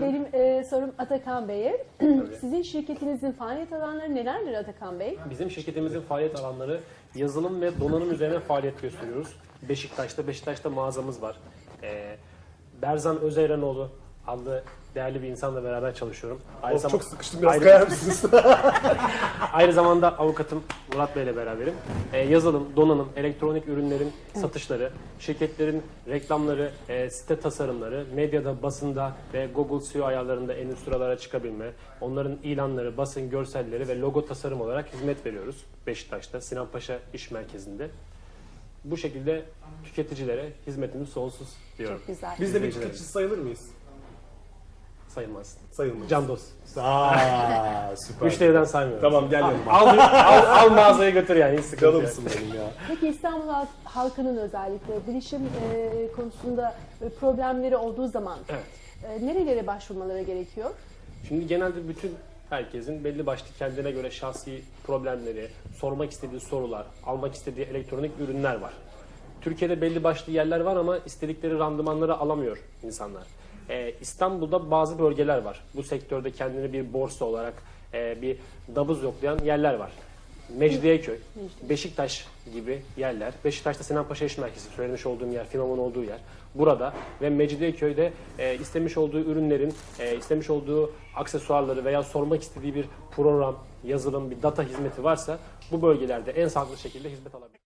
Benim sorum Atakan Bey'e. Sizin şirketinizin faaliyet alanları nelerdir Atakan Bey? Bizim şirketimizin faaliyet alanları yazılım ve donanım üzerine faaliyet gösteriyoruz. Beşiktaş'ta mağazamız var. Berzan Özeyrenoğlu adlı değerli bir insanla beraber çalışıyorum. Çok sıkıştım, biraz kayar mısınız? Aynı zamanda avukatım Murat Bey ile beraberim. Yazılım, donanım, elektronik ürünlerin satışları, şirketlerin reklamları, site tasarımları, medyada, basında ve Google SEO ayarlarında en üst sıralara çıkabilme, onların ilanları, basın görselleri ve logo tasarım olarak hizmet veriyoruz Beşiktaş'ta, Sinan Paşa İş Merkezi'nde. Bu şekilde tüketicilere hizmetimiz sonsuz diyorum. Çok güzel. Biz de bir tüketici sayılır mıyız? Sayılmaz. Sayılmayız. Can dost. Süper. Müşteriden saymıyorum. Tamam, gel yanıma. Al mağazaya götür yani, hiç sıkıntı yok. Canımsın benim ya. Peki İstanbul halkının özellikle bilişim konusunda problemleri olduğu zaman nerelere başvurmaları gerekiyor? Şimdi genelde bütün herkesin belli başlı kendine göre şahsi problemleri, sormak istediği sorular, almak istediği elektronik ürünler var. Türkiye'de belli başlı yerler var ama istedikleri randımanları alamıyor insanlar. İstanbul'da bazı bölgeler var. Bu sektörde kendini bir borsa olarak bir nabız yoklayan yerler var. Mecidiyeköy, Beşiktaş gibi yerler. Beşiktaş'ta Sinan Paşa İş Merkezi, söylemiş olduğum yer, firmamın olduğu yer. Burada ve Mecidiyeköy'de istemiş olduğu ürünlerin, istemiş olduğu aksesuarları veya sormak istediği bir program, yazılım, bir data hizmeti varsa bu bölgelerde en sağlıklı şekilde hizmet alabilir.